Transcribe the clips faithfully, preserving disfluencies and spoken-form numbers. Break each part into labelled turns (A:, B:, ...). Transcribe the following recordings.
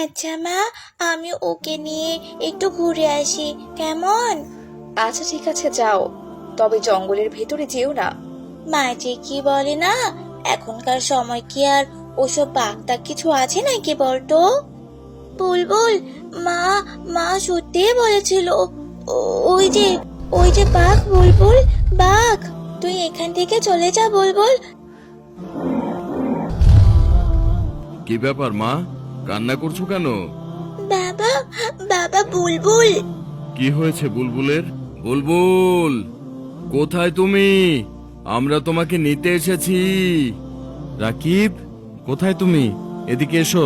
A: আচ্ছা মা, আমি ওকে নিয়ে একটু ঘুরে আসি, কেমন?
B: আচ্ছা ঠিক আছে, যাও, তবে জঙ্গলের ভেতরে যেও না।
A: মা যে কি বলে না, এখনকার সময় কি আর ওসব বাগদা কিছু আছে নাকি বলতো? বুলবুল, মা মা সত্যিই বলেছিল, ও- ওই যে ওই যে বাঘ, বুলবুল, বাঘ। তুই এখান থেকে চলে যা বুলবুল।
C: কি ব্যাপার মা, কান্না করছো কেন?
A: বাবা, বাবা, বুলবুল।
C: কি হয়েছে বুলবুলের? বুলবুল, কোথায় তুমি? আমরা তোমাকে নিতে এসেছি। রাকিব, কোথায় তুমি? এদিকে এসো।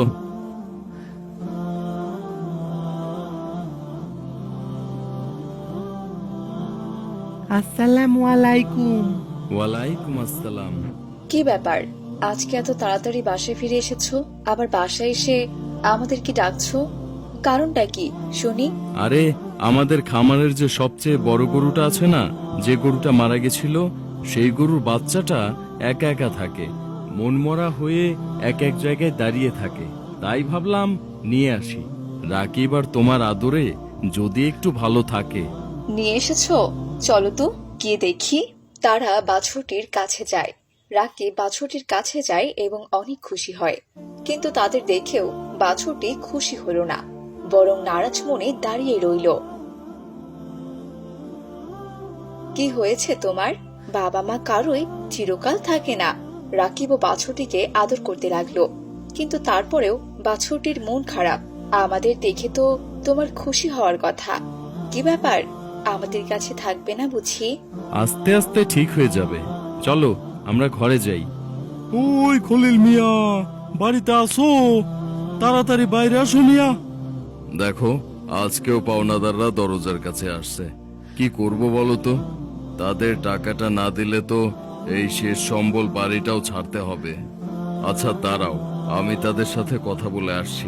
D: আসসালামু আলাইকুম।
C: ওয়ালাইকুম আসসালাম।
B: কি ব্যাপার, আজকে এত তাড়াতাড়ি বাসায় ফিরে এসেছো? আবার বাসায় এসে আমাদের কি ডাকছো? কারণটা কি শুনি।
C: আরে, আমাদের খামারের যে সবচেয়ে বড় গরুটা আছে না, যে গরুটা মারা গেছিল, সেই গরুর বাচ্চাটা একা একা থাকে, মনমরা হয়ে এক এক জায়গায় দাঁড়িয়ে থাকে। তাই ভাবলাম নিয়ে আসি। রাকিব আর তোমার আদরে যদি একটু ভালো থাকে।
B: নিয়ে এসেছো? চলো তো গিয়ে দেখি। তারা বাছুরটির কাছে যায়। রাকিব বাছুরটির কাছে যায় এবং অনেক খুশি হয়, কিন্তু তাদের দেখেও বাছুরটি খুশি হলো না, বরং নারাজ মনে দাঁড়িয়ে রইল। কি হয়েছে তোমার? বাবা মা কারোই চিরকাল থাকে না। রাকিব ও বাছুরটিকে আদর করতে লাগলো, কিন্তু তারপরেও বাছুরটির মন খারাপ। আমাদের দেখে তো তোমার খুশি হওয়ার কথা। কি ব্যাপার, আমাদের কাছে থাকবে না বুঝি?
C: আস্তে আস্তে ঠিক হয়ে যাবে। চলো আমরা ঘরে যাই।
E: ওই খলিল মিয়া, বাড়িতে আসো, তাড়াতাড়ি বাইরে আসো মিয়া।
C: দেখো, আজকেও পাওনাদাররা দরজার কাছে আসছে। কি করব বলো তো? তাদের টাকাটা না দিলে তো এই শেষ সম্বল বাড়িটাও ছাড়তে হবে। আচ্ছা দাঁড়াও, আমি তাদের সাথে কথা বলে আসছি।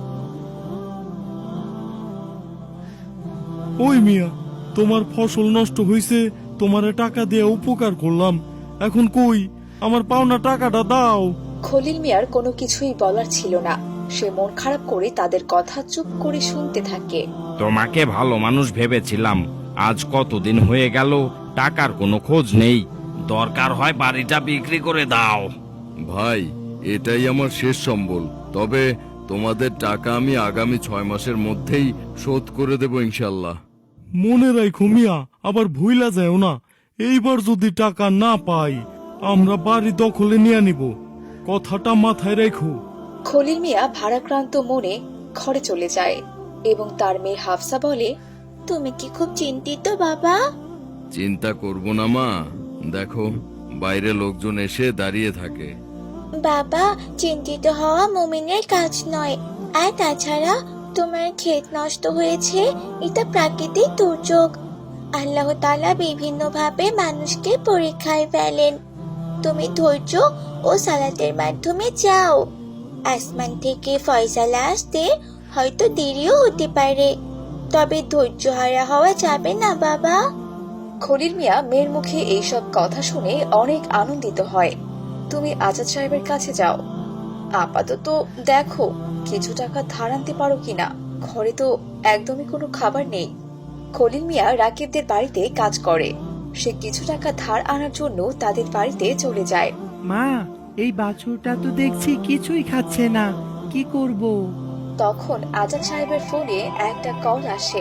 E: ওই মিয়া, তোমার ফসল নষ্ট হইছে, তোমারে টাকা দিয়ে উপকার করলাম, এখন কই আমার পাওনা টাকাটা দাও।
B: খলিল মিয়ার কোনো কিছুই বলার ছিল না। সে মন খারাপ করে তাদের কথা চুপ করে শুনতে থাকে।
F: তোমাকে ভালো মানুষ ভেবেছিলাম, আজ কতদিন হয়ে গেল টাকার কোনো খোঁজ নেই। দরকার হয় বাড়িটা বিক্রি করে দাও।
C: ভাই, এটাই আমার শেষ সম্বল। তবে তোমাদের টাকা আমি আগামী ছয় মাসের মধ্যেই শোধ করে দেব ইনশাল্লাহ।
E: মনে রাখো মিয়া, আবার ভুইলা যাও না। এইবার যদি টাকা না পাই, আমরা বাড়ি দখলে নিয়ে নিব, কথাটা মাথায় রেখো।
B: খলিল মিয়া ভারাক্রান্ত মনে ঘরে চলে যায় এবং তার মেয়ে হাফসা বলে,
A: তুমি কি খুব চিন্তিত বাবা?
C: চিন্তা করব না মা, দেখো বাইরে লোকজন এসে দাঁড়িয়ে থাকে।
A: বাবা, চিন্তিত হওয়া মুমিনের কাজ নয়। আর তাছাড়া তোমার ক্ষেত নষ্ট হয়েছে, এটা প্রাকৃতিক দুর্যোগ। আল্লাহ তাআলা বিভিন্ন ভাবে মানুষকে পরীক্ষায় ফেলেন। তুমি ধৈর্য ও সালাতের মাধ্যমে যাও। আসমান থেকে ফয়সালা আসতে হয়তো দেরিও হতে পারে, তবে ধৈর্য হারা হওয়া যাবে না বাবা।
B: খলিল মিয়া মেয়ের মুখে এইসব কথা শুনে অনেক আনন্দিত হয়। তুমি আজাদ সাহেবের কাছে যাও, আপাতত দেখো কিছু টাকা ধার আনতে পারো কিনা। ঘরে তো একদমই কোনো খাবার নেই। খলিল মিয়া রাকিবদের বাড়িতে কাজ করে। সে কিছু টাকা ধার আনার জন্য তাদের বাড়িতে চলে যায়।
D: মা, এই বাছুরটা তো দেখছি কিছুই খাচ্ছে না, কি করব?
B: তখন আজাদ সাহেবের ফোনে একটা কল আসে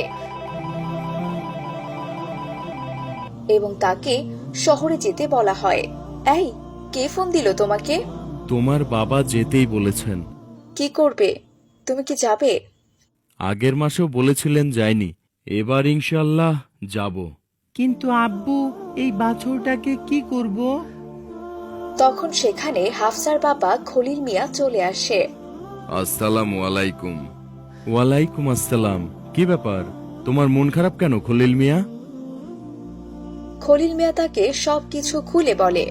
B: এবং তাকে শহরে যেতে বলা হয়। এই, কে ফোন দিল তোমাকে?
C: তোমার বাবা যেতেই বলেছেন।
B: কি করবে? তুমি কি যাবে?
C: আগের মাসেও বলেছিলেন যায়নি, এবার ইনশাল্লাহ যাব।
D: কিন্তু আব্বু, এই বাছুরটাকে কি করব?
B: তখন সেখানে হাফসার বাবা খলিল মিয়া চলে আসে।
C: আসসালামু আলাইকুম। ওয়ালাইকুম আসসালাম। কি ব্যাপার, তোমার মন খারাপ কেন খলিল মিয়া?
B: খলিল মিয়া তাকে সবকিছু খুলে বলে।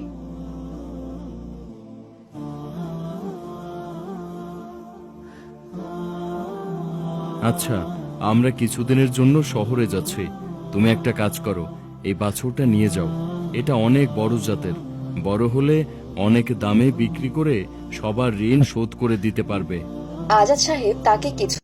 C: আচ্ছা, আমরা কিছুদিনের জন্য শহরে যাচ্ছি। তুমি একটা কাজ করো, এই বাছুরটা নিয়ে যাও। এটা অনেক বড় জাতের, বড় হলে অনেক দামে বিক্রি করে সবার ঋণ শোধ করে দিতে পারবে।
B: আজাদ সাহেব তাকে কিছু